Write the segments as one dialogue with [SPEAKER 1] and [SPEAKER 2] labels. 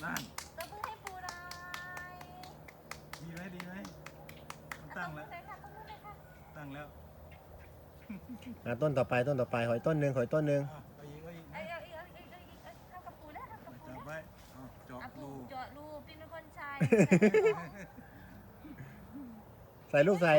[SPEAKER 1] นั่น
[SPEAKER 2] ตบมือให้ปูหน่อย
[SPEAKER 1] ดีไหมดีไหมตั้งแล้วตั้งแล้ว
[SPEAKER 3] ต้นต่อไปหอยต้นหนึ่งหอยต้นหนึ่ง
[SPEAKER 1] เอาอีกเอาอีก
[SPEAKER 2] เอาเข้ากับปูแล้วเข้ากับปู
[SPEAKER 1] จับไว้เจาะ
[SPEAKER 2] ปู
[SPEAKER 1] รู
[SPEAKER 2] เจาะรูเป็นคนชาย
[SPEAKER 3] ใส่ลูกใส่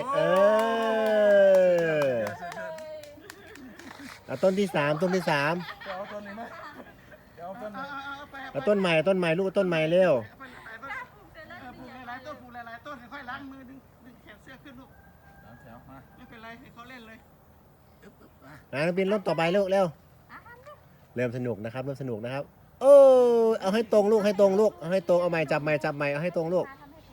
[SPEAKER 3] ต้นที่สาม
[SPEAKER 1] จะเอาต้นนี้ไหมจะเอาต้นไหน
[SPEAKER 3] ต้นใหม่ลูกต้นใหม่เร็ว
[SPEAKER 4] ปลูกหลายๆต้นปลูกหลายๆต้นค่อยล้างมือดึงแขนเสื้อขึ้นลูก
[SPEAKER 1] แถวมา
[SPEAKER 4] ไม่เป็นไรให้เขาเล่นเลย
[SPEAKER 3] น้องปินต้นต่อไปลูกเร็วเริ่มสนุกนะครับโอ้เอาให้ตรงลูกเอาให้ตรงเอาไม้จับไม้เอาให้ตรงลูก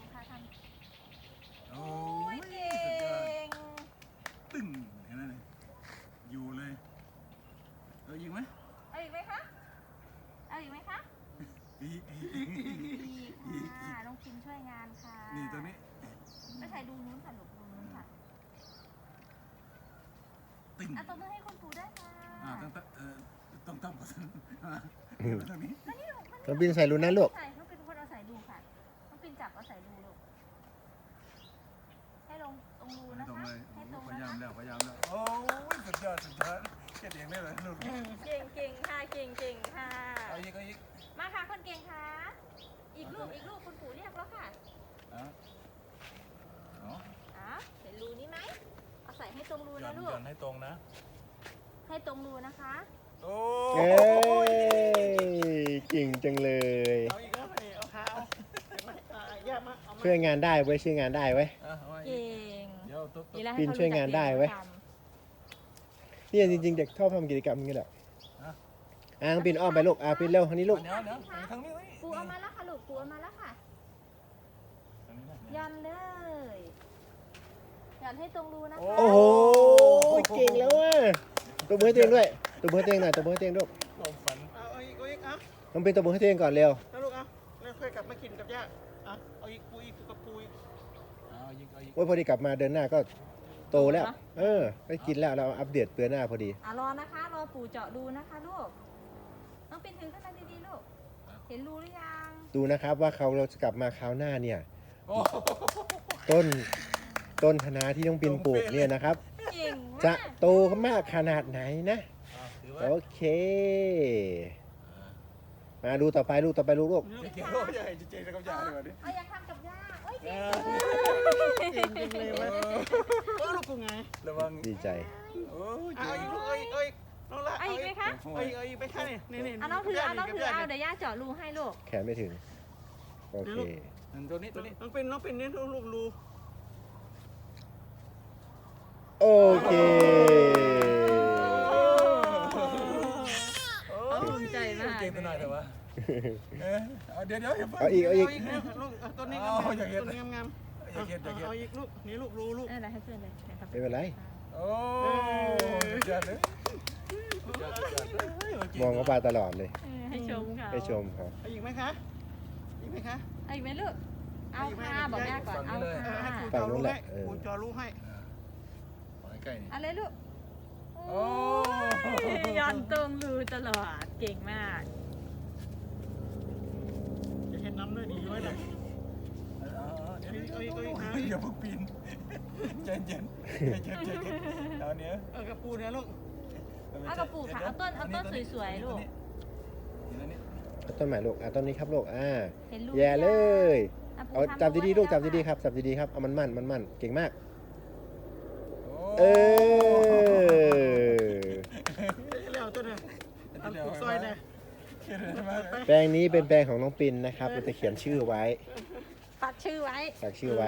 [SPEAKER 1] โอ้
[SPEAKER 2] โอ้
[SPEAKER 1] ย
[SPEAKER 2] ยเก่ง
[SPEAKER 1] ตึ้งเห็นไหมอยู่เลยเอายิงไหม
[SPEAKER 2] เอาอีกไหมคะเอาอีกไหมคะ
[SPEAKER 1] อีก
[SPEAKER 2] ดีค่ะน้องพิมช่วยงานค่ะ
[SPEAKER 1] นี่ตัวนี้
[SPEAKER 2] ไม่ใช่ดูนู้นค่ะลูกดูนู้นค่ะ
[SPEAKER 1] ตึ้ง
[SPEAKER 2] ตบมือให้คุณปู่ด้วยค่ะ
[SPEAKER 1] ต้องก่อนตรงนี้
[SPEAKER 3] น้องปินใส่รูนั้นลูก
[SPEAKER 2] ใส่น้องเป็นคนเอาใส่ดูค่ะน้องเป็นจับเอาใส่ดูลูกให้ลงตรงรูนะ
[SPEAKER 1] ตรง
[SPEAKER 2] คะ
[SPEAKER 1] เลย
[SPEAKER 2] ให้ตรง
[SPEAKER 1] พ
[SPEAKER 2] นะ
[SPEAKER 1] ยายาม
[SPEAKER 2] คะ
[SPEAKER 1] แล้วโอ้ยสุดยอดเก็บเองได้เลยลูก
[SPEAKER 2] เก่งค่ะเก่งค่ะ
[SPEAKER 1] เอาอีก
[SPEAKER 2] มาค่ะคนเก่งค่ะอีกลูกคุณปู่เรียกแล้วค่ะ
[SPEAKER 1] อ๋อ
[SPEAKER 2] เห็นรูนี้ไหมเอาใส่ให้ตรงรู
[SPEAKER 1] หย่อ
[SPEAKER 2] นะ
[SPEAKER 1] น
[SPEAKER 2] ลู
[SPEAKER 1] ห
[SPEAKER 2] ก
[SPEAKER 1] ย่อนให้ตรงนะ
[SPEAKER 2] ให้ตรงรูนะคะ
[SPEAKER 1] โอ้
[SPEAKER 3] เอ้ยเก่งจังเลย
[SPEAKER 4] เอาอีกแล้วเอาขาเอาแยกมาเอามา
[SPEAKER 3] ช่วยงานได้เว้ย
[SPEAKER 2] เก่ง
[SPEAKER 1] เดี๋ยวตุ๊
[SPEAKER 2] นี่แหละ
[SPEAKER 3] ปิ่นช่วยงานได้เว้ย นี่จริงๆเด็กชอบทำกิจกรรมอย่างนี้แหละน้องปินอ้อมไปลูกปินเร็วทางนี้ลูก
[SPEAKER 1] เดี๋ยวทางนี้
[SPEAKER 2] ปูเอามาแล้วค่ะลูกปูเอามาแล้วค่ะยันเลยยันให้ตรงรูนะคะ
[SPEAKER 3] โอ้โหเก่งแล้วอ่ะตบมือให้ตัวเองด้วยตบมือให้ตัวเองหน่อยตบมือให้ตัวเองลูก
[SPEAKER 1] ความฝัน
[SPEAKER 4] เอาอีกเอา
[SPEAKER 3] น้องปินตบมือให้ตัวเองก่อนเร็ว
[SPEAKER 4] แล้วลูกเอาแล้วค่อยกลับมากินกับย่าเอาอีกปูกับปูอีก
[SPEAKER 1] เอาอีก
[SPEAKER 3] โอ้ยพอดีกลับมาเดือนหน้าก็โตแล้วได้กินแล้วเราอัปเดตเดือนหน้าพอดี
[SPEAKER 2] รอนะคะรอปู่เจาะดูนะคะลูกน้องปิ่นถือขึ้นมาดีๆลูกเห็นรูหรือยัง
[SPEAKER 3] ดูนะครับว่าเราจะกลับมาคราวหน้าเนี่ย
[SPEAKER 1] โอ้
[SPEAKER 3] ต้นคะน้าที่น้องปินปลูกเนี่ยนะครับ
[SPEAKER 2] เก่ง
[SPEAKER 3] จะ
[SPEAKER 2] มาก
[SPEAKER 3] โตมากขนาดไหนนะโอเคมาดูต่อไปลูกลูก
[SPEAKER 1] เกี่ยวใหญ่เจ๊กับยาเลยดิ
[SPEAKER 2] เอาอยากทำกับย่าโอ้ยเก่ง
[SPEAKER 4] เก่งจริงเลยเว้ยลูกกูไง
[SPEAKER 1] ระวัง
[SPEAKER 3] ดีใจ
[SPEAKER 1] โอ้ย
[SPEAKER 4] เอาอีกลูกเอาอีกน้องละ
[SPEAKER 2] เอาอีกไหมคะ
[SPEAKER 4] เอาอีกไปข้างนี่
[SPEAKER 2] เอาน้องถือเอาเดี๋ยวย่าเจาะรูให้ลูก
[SPEAKER 3] แขนไม่ถึงโอเค
[SPEAKER 1] ตัวนี้
[SPEAKER 4] น้องเป็นนี่ลูกรู
[SPEAKER 3] โอเค
[SPEAKER 2] ภูมิใจมาก
[SPEAKER 1] เก่งตัวหน่อยแต่ว่าเดี๋ยว
[SPEAKER 3] เอาอีก
[SPEAKER 4] ลูกต้นนี้งามต้นนี้งามเอาอีกลูกนี่ลูกรูลูก
[SPEAKER 2] อะไรให้เพื่อนเลยนะครับ
[SPEAKER 3] ไม่เป็นไร
[SPEAKER 1] โอ้ยอดเลย
[SPEAKER 3] มองเขาปลาตลอดเลย
[SPEAKER 2] ให้ชมค่ะ
[SPEAKER 3] ให้ชมครับ
[SPEAKER 4] เอาอีกไหมคะอีกไหมคะ
[SPEAKER 2] เอาอีกไหมลูกเอาค่ะบอกย่าก่อนเอาค่ะ
[SPEAKER 4] ปูจอรู้ให้ปูจอรู้ให้
[SPEAKER 1] ใกล้นี่
[SPEAKER 2] เอาเลยลูก
[SPEAKER 1] โอ้
[SPEAKER 2] ยันตรงรูตลอดเก่งมาก
[SPEAKER 4] จะเห็นน้ำด้วยดีไว้เลย
[SPEAKER 1] อย่าเพิ่งปีนใจเย็นเอาเนี้ย
[SPEAKER 4] กระปูเนี่ยลูก
[SPEAKER 2] เอากระปุกค่ะเอาต้นสวยๆลูก
[SPEAKER 3] เอาต้นใหม่ลูกต้นนี้ครับลูก
[SPEAKER 2] เห็นรู
[SPEAKER 3] แย่เลยเอาจับดีๆลูกจับดีๆ
[SPEAKER 2] ครับ
[SPEAKER 3] จับดีๆครับเอามันเก่งมาก
[SPEAKER 4] เร็วตัวเนี่ยทำปลูกซอยเนี่ย
[SPEAKER 3] แปลงนี้เป็นแปลงของน้องปินนะครับเราจะเขียนชื่อไว้
[SPEAKER 2] ฝากชื่อไว้
[SPEAKER 3] ฝากชื่อไว้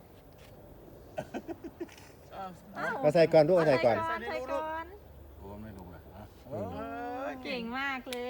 [SPEAKER 2] อ้าว
[SPEAKER 3] มาใส่ก่อนลูกเอาใส่ก่อน
[SPEAKER 2] ใส่ก่อน
[SPEAKER 1] โอ้ไม่ลงเลย
[SPEAKER 2] เก่งมากเลย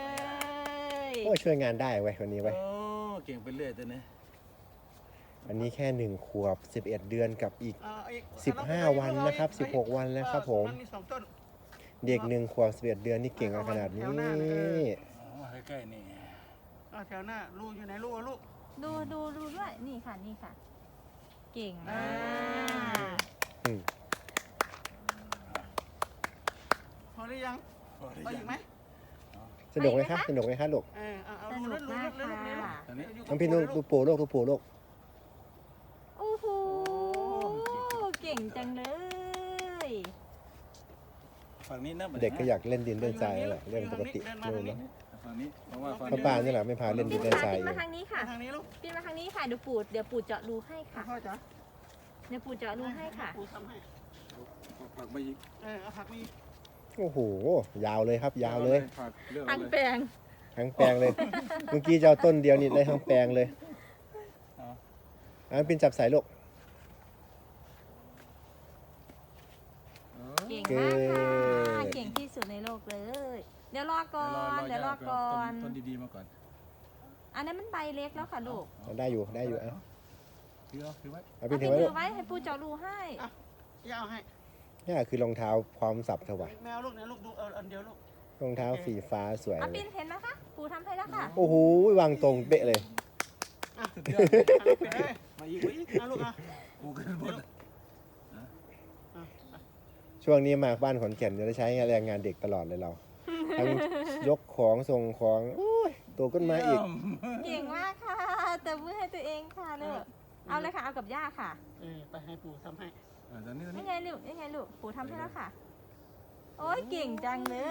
[SPEAKER 3] โอ้ช่วยงานได้ไว้คนนี้ไว้
[SPEAKER 1] โอ้เก่งไปเรื่อยตัวนี้
[SPEAKER 3] อันนี้แค่1 ขวบ 11 เดือนกับอีก 15 วันนะครับ16 วันแล้วครับผมเด็ก1 ขวบ 11 เดือนนี่เก่งขนาดนี้
[SPEAKER 1] ใกล้ๆนี่
[SPEAKER 4] แถวหน้าลูกอยู่ไหนลูกลูก
[SPEAKER 2] ดูด้วยนี่ค่ะเก่งมาก
[SPEAKER 4] พอหรือยังเอาอีกไหม
[SPEAKER 3] สนุกไหมคะสนุกไหมคะลูก
[SPEAKER 4] เอา
[SPEAKER 2] สนุกมากค่ะ
[SPEAKER 1] ตอนนี้
[SPEAKER 3] น้องพินดูปู่ลูกดูปู่ลูก
[SPEAKER 2] โอ้โหเก่งจังเลย
[SPEAKER 1] ฝั่งนี้นะ
[SPEAKER 3] เด็กก็อยากเล่นดินเล่นทรายนั่นแหละเรื่องปกตินู่นเนาะ
[SPEAKER 1] ฝั่งนี้เพราะว่าฝั่ง
[SPEAKER 3] พ่อป้านี่แหละไม่พาเล่นดินเล่นทราย
[SPEAKER 2] ปิ้น
[SPEAKER 3] เอ
[SPEAKER 2] มาง ทางนี้ค่ะ
[SPEAKER 4] ทางนี้ลูก
[SPEAKER 2] ปิ้นมาทางนี้ค่ะเดี๋ยวปู่เจาะรูให้ค่ะ
[SPEAKER 4] พ่อจ๋า
[SPEAKER 2] เดี๋ยวปู่เจาะรูให้ค่ะ
[SPEAKER 4] ปูทำให้
[SPEAKER 1] ผักไปอีก
[SPEAKER 4] เอาผักนี่
[SPEAKER 3] โอ้โหยาวเลยครับยาวเลย
[SPEAKER 1] ผักเลือก
[SPEAKER 2] ทาง
[SPEAKER 1] เลย
[SPEAKER 2] แปลง
[SPEAKER 3] ทั้งแปลงเลย เมื่อกี้จะเอาต้นเดียวนี่ได้ทั้งแปลงเลยอันเป็นจับสายลูก
[SPEAKER 2] เก่งมากค่ะเก่งที่สุดในโลกเลย เดี๋ยวรอก่อนเดี๋ยวรอก่อน
[SPEAKER 1] ต้นดีๆมาก่อน
[SPEAKER 2] อันนั้นมันใบเล็กแล้วค่ะลูก
[SPEAKER 3] ได้อยู่ได้อยู่อ่ะ
[SPEAKER 1] ถือไว้
[SPEAKER 3] เอา
[SPEAKER 2] เอา
[SPEAKER 3] เป็น
[SPEAKER 2] ปิ
[SPEAKER 3] ถื
[SPEAKER 2] น
[SPEAKER 3] อไว้
[SPEAKER 2] ถื
[SPEAKER 3] ลูก
[SPEAKER 2] อไว้ให้ปู่เจาะรูให้
[SPEAKER 4] ยาวให้
[SPEAKER 3] นี่คือรองเท้าพร้อมสับเถอะวะ
[SPEAKER 4] แมวลูกเนี่ยลูกดูอันเดียวลูก
[SPEAKER 3] รองเท้าสีฟ้าสวย
[SPEAKER 2] เอา
[SPEAKER 3] เล
[SPEAKER 2] ปิ
[SPEAKER 3] ย
[SPEAKER 2] นเห็นไหมคะปู่ทำให้แล้วค่ะ
[SPEAKER 3] โอ้โหวางตรงเป๊ะเลย
[SPEAKER 1] สุดยอด
[SPEAKER 4] ไปเลย
[SPEAKER 1] มาอีก
[SPEAKER 4] ลูก
[SPEAKER 1] กูขึ้นบน
[SPEAKER 3] ช่วงนี้มาบ้านขอนแก่นจะได้ใช้แรงงานเด็กตลอดเลยเรา ทั้งยกของส่งของโอ้ยโตขึ้นมาอีก
[SPEAKER 2] เก่งมากค่ะแต่มือให้ตัวเองค่ะลูกเอาเลยค่ะเอากับย่าค่ะ
[SPEAKER 4] ไปให้ปูทำให้
[SPEAKER 1] ตอนนี้
[SPEAKER 2] นี่ไงลูกนี่ไงลูกปู่ทำให้แล้วค่ะ โอ้ยเก่งจังเลย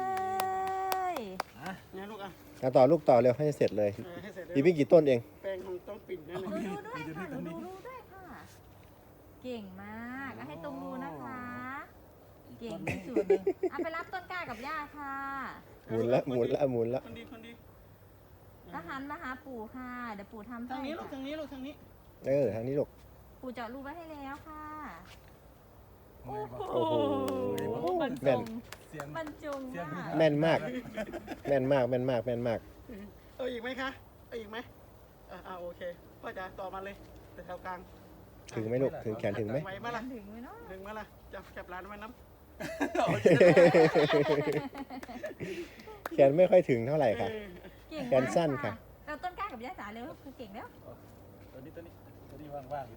[SPEAKER 4] เนี่ยลูก
[SPEAKER 3] ต่อลูกต่อเร็วให้เสร็จเลย
[SPEAKER 4] ให้เสร็จ
[SPEAKER 3] อีกไม่กี่ต้นเอง
[SPEAKER 4] แปลงของต้องปิ่นนั่น
[SPEAKER 2] ดูด้วยค่ะดูด้วยค่ะ เก่งมากเอาให้ตรงรูนะคะ เก่งที่สุดเลยเอาไปรับต้นกล้ากับย่าค่ะ
[SPEAKER 3] หมุนละหมุนละหมุนละ
[SPEAKER 4] คนดี
[SPEAKER 2] แล้วหันมาหาปู่ค่ะเดี๋ยวปู่ทำให้
[SPEAKER 4] ทางนี้ลูก
[SPEAKER 2] ค่ะ
[SPEAKER 4] ทางนี้ลูกทางนี้
[SPEAKER 3] ทางนี้ลูก
[SPEAKER 2] ปู่เจาะรูไว้ให้แล้วค่ะ
[SPEAKER 3] โอ้โห
[SPEAKER 2] บรรจ
[SPEAKER 3] แม่น
[SPEAKER 2] งบรรจงมาก
[SPEAKER 3] แม่นมากแม่นมากแม่นมากแม่นมาก
[SPEAKER 4] เอาอีกไหมคะเอาอีกไหมโอเคพ่อจ๋าต่อมาเลยแถวกลาง
[SPEAKER 3] ถึงไหมลูกถึงแขนถึงไหม
[SPEAKER 4] ไหวมาละ
[SPEAKER 2] ถึงไหมเนาะ
[SPEAKER 4] ถึงมาละจับร้านไว้น้ำ
[SPEAKER 3] แขนไม่ค่อยถึงเท่าไหร่ค่ะ
[SPEAKER 2] เก่ง
[SPEAKER 3] แขนสั้นค่ะ
[SPEAKER 2] เราต้นกล้ากับย่าจ๋าเร็วคือเก่งแล้ว
[SPEAKER 1] ตัวนี้ว่างๆอยู่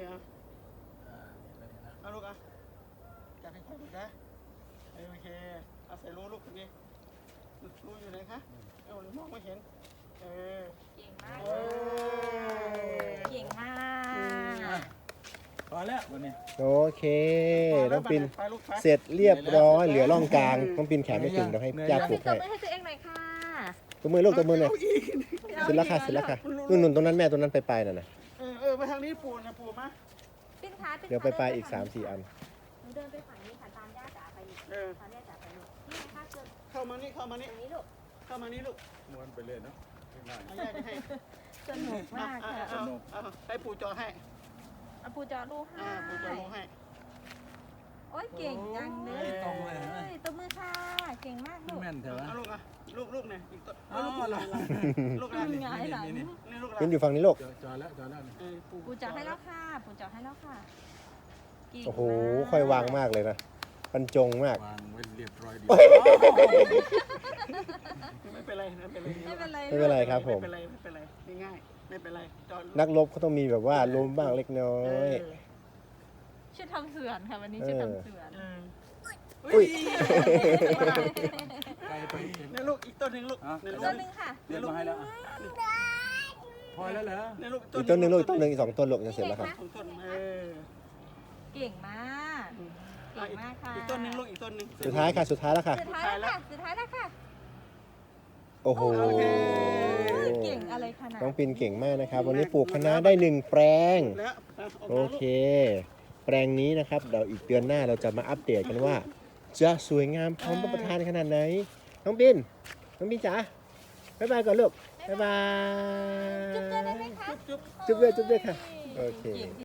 [SPEAKER 4] เอาลูกจับให้ค่อยลูกนะโอเคเอาใส่รูลูกตรงนี้รูอยู่ไหนคะเอามองไม่เห็น
[SPEAKER 2] เก่งมากเก่งมาก
[SPEAKER 1] พอแล้ววันนี้
[SPEAKER 3] โอเคน้องปินเสร็จเรียบร้อยเหลือร่องกลางน้องปินแขนไม่ถึงเดี๋ยวให้ย่าปลูก
[SPEAKER 2] ตบ
[SPEAKER 3] ให้
[SPEAKER 2] มือให้ตัวเองหน่อยค่ะ
[SPEAKER 3] ตัวมือลูกตัวมือเลยเสร็จแล้วค่ะเสร็จแล้วค่ะนู่นตรงนั้นแม่ตรงนั้นไปน่ะนะ
[SPEAKER 4] ไปทางนี้ปูนะปูมา
[SPEAKER 2] ปิ้นขา
[SPEAKER 3] เดี๋ยวไปอีก 3-4 อัน
[SPEAKER 2] หนูเดินไปฝั่งนี้ค่ะตามย่าจ๋าไปอีกตามย่าจ๋าไปลูกนี่นะคะเชิญ
[SPEAKER 4] เข้ามานี่
[SPEAKER 2] ตรงนี้ลูก
[SPEAKER 4] เข้ามานี่ลูก
[SPEAKER 1] ม้วนไปเลยเนาะง่าย
[SPEAKER 4] เอาย่าจะให้
[SPEAKER 2] สนุกมากค่ะ
[SPEAKER 4] ให้ปูจอให้
[SPEAKER 2] เอาปูจอลูกให้
[SPEAKER 4] ปูจอลงให้
[SPEAKER 2] โอ้ยเก่งจังเลยตบมือค่ะเก่งมากลูก
[SPEAKER 1] แม่นเถอะ
[SPEAKER 4] เอาลูกลูกเนี่ยอีกตัวลูกลูก
[SPEAKER 2] หงายหลัง
[SPEAKER 4] นี่ลูก
[SPEAKER 3] ปินอยู่ฝั่งนี้ลูก
[SPEAKER 1] จอแล้ว
[SPEAKER 2] ปูจอให้แล้วค่ะปูจอให้แล้วค่ะเก่ง
[SPEAKER 3] โอ้โห
[SPEAKER 2] มาก
[SPEAKER 3] ค่อยวางมากเลยนะบรรจงมาก
[SPEAKER 1] วางไว้เรียบร้อยดี
[SPEAKER 4] ไม่เป็นไรไม่เป็นไร
[SPEAKER 2] ไม่เป็นไร
[SPEAKER 3] ไม่เป็นไรครับผม
[SPEAKER 4] ไม่เป็นไรง่ายไม่เป็นไรจอ
[SPEAKER 3] นักรบเขาต้องมีแบบว่าล้มบ้างเล็กน้อย
[SPEAKER 2] ชุดทำเสื่อนค่ะวันนี้ชุดทำเสื่อน
[SPEAKER 3] อุ้ย
[SPEAKER 1] ไกลไป
[SPEAKER 4] เนี่ยลูกอีกต้นหนึ่งลูกเนี่ยลู
[SPEAKER 2] ต้
[SPEAKER 4] ก
[SPEAKER 2] นหนึ่งค่ะ
[SPEAKER 1] เรียนมาให้แล้วพอแล้วเหรอ
[SPEAKER 4] เนี่ยลูก
[SPEAKER 3] อีกต้นหนึ่งลูกอีกต้นหนึ่งอีก2 ต้นลูกจะเสร็จแล้วครับ
[SPEAKER 4] ของต้น
[SPEAKER 2] เก่งมากเก่งมากค่ะ
[SPEAKER 4] อีกต้นหนึ่งลูกอีกต้นหนึ่ง
[SPEAKER 3] สุดท้ายค่ะสุดท้ายแล้วค่ะ
[SPEAKER 2] สุดท้ายแล้วค่ะสุดท้ายแล้วค่ะ
[SPEAKER 3] โอ้โห
[SPEAKER 2] เก่งอะไรขนาด
[SPEAKER 3] น้องปินเก่งมากนะครับ วันนี้ปลูกคะน้าได้1 แปลง
[SPEAKER 4] แล้ว
[SPEAKER 3] โอเค แปลงนี้นะครับเดี๋ยวอีกเดือนหน้าเราจะมาอัปเดตกันว่า จะสวยงามพร้อมรับประทานขนาดไหน น้องปินจ๋าบ๊ายบายก่อนลูกบ๊ายบาย
[SPEAKER 2] จุ๊บเจอได้ไหมคะ
[SPEAKER 4] จุ๊บ
[SPEAKER 3] จุ๊บด้วยค่ะโอเค